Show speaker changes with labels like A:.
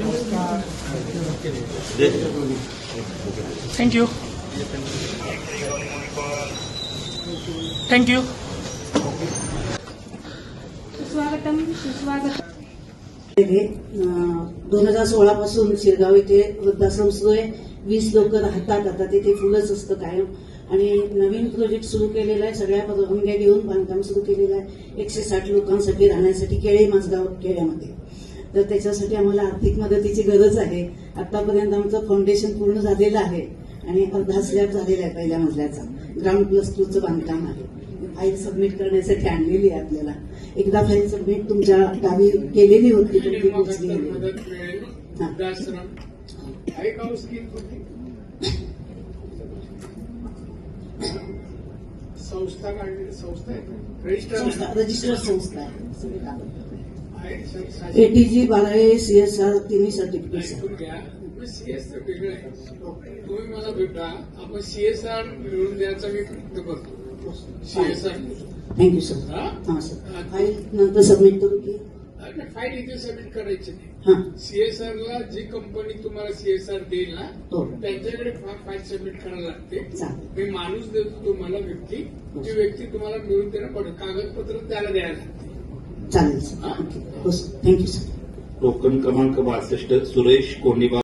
A: Thank you thank you.
B: सुस्वागतम सुस्वागतम.
C: 2016 पासून शिरगाव इथे वृद्धाश्रम सुरू आहे. 20 लोक राहतात. आता तिथे फुलंच असतं कायम. आणि नवीन प्रोजेक्ट सुरू केलेला आहे. सगळ्या परवानग्या घेऊन बांधकाम सुरू केलेलं आहे. 160 लोकांसाठी राहण्यासाठी केळे माझगाव खेड्यामध्ये. तर त्याच्यासाठी आम्हाला आर्थिक मदतीची गरज आहे. आतापर्यंत आमचं फाउंडेशन पूर्ण झालेलं आहे आणि अर्धा स्लॅब झालेला आहे पहिल्या मजल्याचा. ग्राउंड +2चं बांधकाम आहे. फाईल सबमिट करण्यासाठी आणलेली आहे आपल्याला. एकदा फाईल सबमिट तुमच्या गावी केलेली होती, तुमची पोचली. रजिस्टर्ड संस्था आहे. ATG 12 CSR तिन्ही सर्टिफिकेट.
D: सीएसआर वेगळं आहे. तुम्ही मला भेटा, आपण सीएसआर मिळवून द्यायचा मी प्रयत्न करतो. CSR
C: thank you sir. हां सर. फाईल नंतर सबमिट करू की
D: फाईल इथे सबमिट करायची नाही.
C: हां
D: सीएसआरला जी कंपनी तुम्हाला सीएसआर देईल ना,
C: हो.
D: त्यांच्याकडे फाईल सबमिट करायला लागते.
C: चालेल.
D: मी माणूस देतो तुम्हाला, व्यक्ती. ती व्यक्ती तुम्हाला मिळून देणं पडेल. कागदपत्र त्याला द्यायला लागते.
C: चालेल सर. हो सर. Thank you sir.
E: टोकन क्रमांक 62 सुरेश कोंडीबा.